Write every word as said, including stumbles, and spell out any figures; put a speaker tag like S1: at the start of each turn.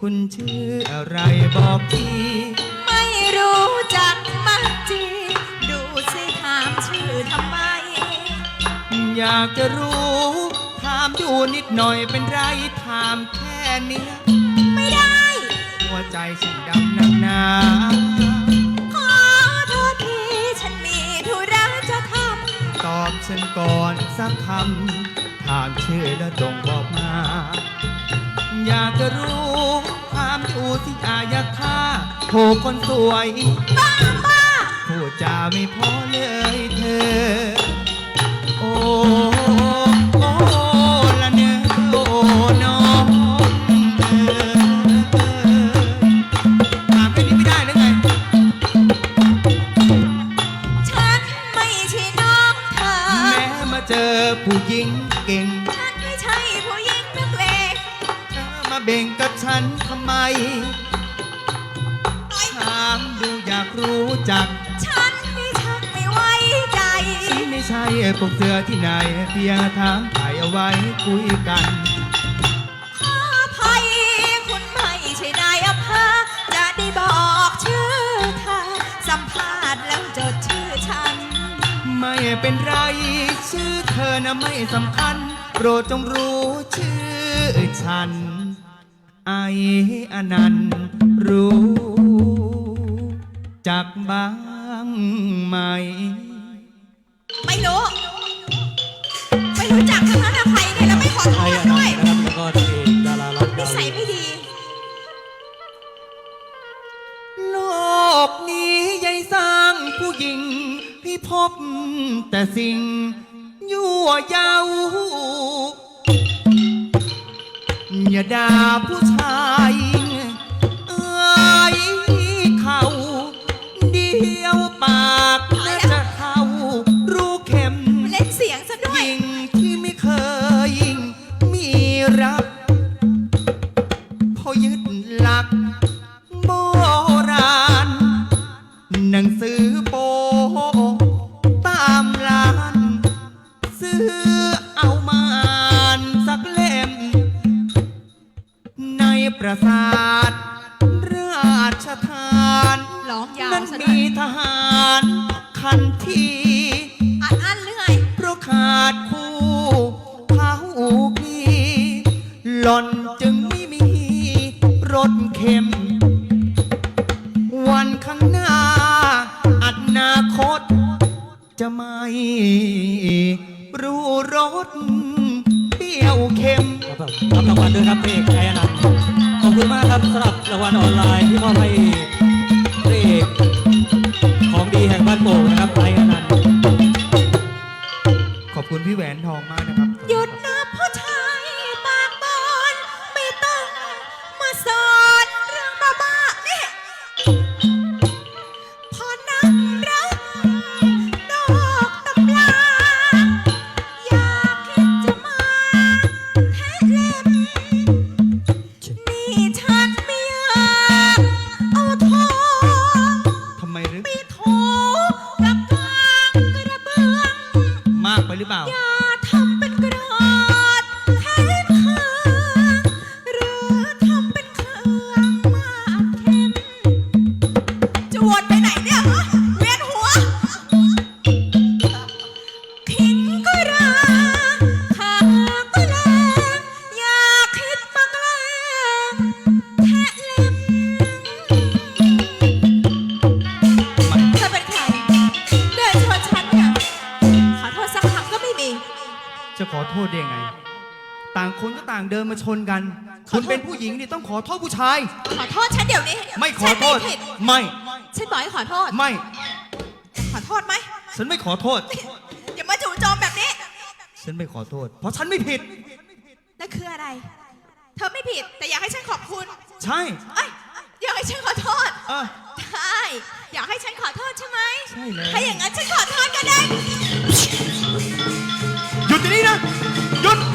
S1: คุณชื่ออะไรบอกที
S2: ไม่รู้จักมักจีดูสิถามชื่อทำไม
S1: อยากจะรู้ถามอยู่นิดหน่อยเป็นไรถามแค่นี้
S2: ไม่ได้
S1: หัวใจฉันดำนักหนา
S2: ขอโทษทีฉันมีธุระจะทำ
S1: ตอบฉันก่อนสักคำถามชื่อแล้วจงบอกมาอยากจะรู้ถามอยู่ที่อาอยากฆ่าโหคนสวย
S2: บ้าบ้า
S1: พูดจาไม่พอเลยเธอโอ้โอ้ละเนื้อโอ้น้องถามแค่นี้ไม่ได้หรือไง
S2: ฉันไม่ใช่น้องเธอ
S1: แม้มาเจอผู้หญิงเก่ง
S2: ฉันไม่ใช่ผู้หญิงนักเลง
S1: เธอมาเบ่งกับฉันทำไมถามดูอยากรู้จัก
S2: ฉันนี่ชักไม่ไว้ใจ
S1: ฉันไม่ใช่พวกเสือที่ไหนเพียงถามถ่ายเอาไว้คุยกัน
S2: ขออภัยคุณไม่ใช่นายอำเภอจะได้บอกชื่อเธอสัมภาษณ์แล้วจดชื่อฉัน
S1: ไม่เป็นไรชื่อเธอนะไม่สำคัญโปรดจงรู้ชื่อฉันไออนันต์รู้จักบ้างไหม
S2: ไม่รู้ไม่รู้จักทั้งนั้นนะใครเนี่ยแล้วไม่ขอโทษด้วย
S3: นะครับแล้วก็ตัวเองดารารับ
S2: นิสัยไม่ดี
S1: โลกนี้ยัยสร้างผู้หญิงให้พบแต่สิ่งยั่วเย้าอย่าด่าผู้ชายเอ้ยเขาเดียวปากน่าจะเข้ารู้เข็ม
S2: เล่นเสียงซะด้วย
S1: ยิ่งที่ไม่เคยมีรักพอยึดหลักโบราณหนังสือโปตามร้านซื้อเอามาอ่านสักเล่มในปราสาทราชทานนั้นมีทหารคันที
S2: อัดอั้นหรือไง
S1: เพราะขาดคู่เขาพี่หล่อนจึงไม่มีรถเข็มวันข้างหน้าอนาคตจะไม่รู้รสเปรี้ยวเค็ม
S3: รับรางวัลด้วยครับเพลงไออนันต์ขอบคุณมากครับสำหรับรางวัลออนไลน์ที่มอบให้เพลงของดีแห่งบ้านโป่งนะครับไออนันต์
S1: ขอบคุณพี่แหวนทองมากนะครับ
S2: หยุดนะผู้ชายปากบอนไม่ต้องมาสอนเรื่องบ้าๆนี่พอนักรักดอกตำลาอยากคิดจะมาแทะเล็บนี่ฉันไม่อยากเอาทอง
S1: ทำไมหรือ
S2: ไปถูกับกลางกระเบื้อง
S1: มากไปหรือเปล่า
S2: อย่าทำเป็นกระดาษแทนเครื่องหรือทำเป็นเครื่องมากเข็มจะวนไปไหนเนี่ยฮะเวียนหัวขิงก็ราขาก็แรงอย่าคิดมาแกล้งแทะเล็บเธอเป็นใครเดินชนฉันเนี่ยขอโทษสักคำก็ไม่มี
S1: จะขอโทษได้ไงต่างคนก็ต่างเดินมาชนกันคุณเป็นผู้หญิงนี่ต้องขอโทษผู้ชาย
S2: ขอโทษฉันเดี๋ยวนี้
S1: ไม่ขอโทษไม่
S2: ฉันบอกให้ขอโทษ
S1: ไม่
S2: ขอโทษไหม
S1: ฉันไม่ขอโทษ
S2: อย่ามาจู่โจมแบบนี้
S1: ฉันไม่ขอโทษเพราะฉันไม่ผิด
S2: นั่นคืออะไรเธอไม่ผิดแต่อยากให้ฉันขอบคุณ
S1: ใช่
S2: เอ้ยอยากให้ฉันขอโทษ
S1: เออ
S2: ใช่อยากให้ฉันขอโทษใช่ไหม
S1: ใช่เลย
S2: ถ้าอย่างนั้นฉันขอโทษก็ได้
S1: หยุดตรงนี้นะหยุด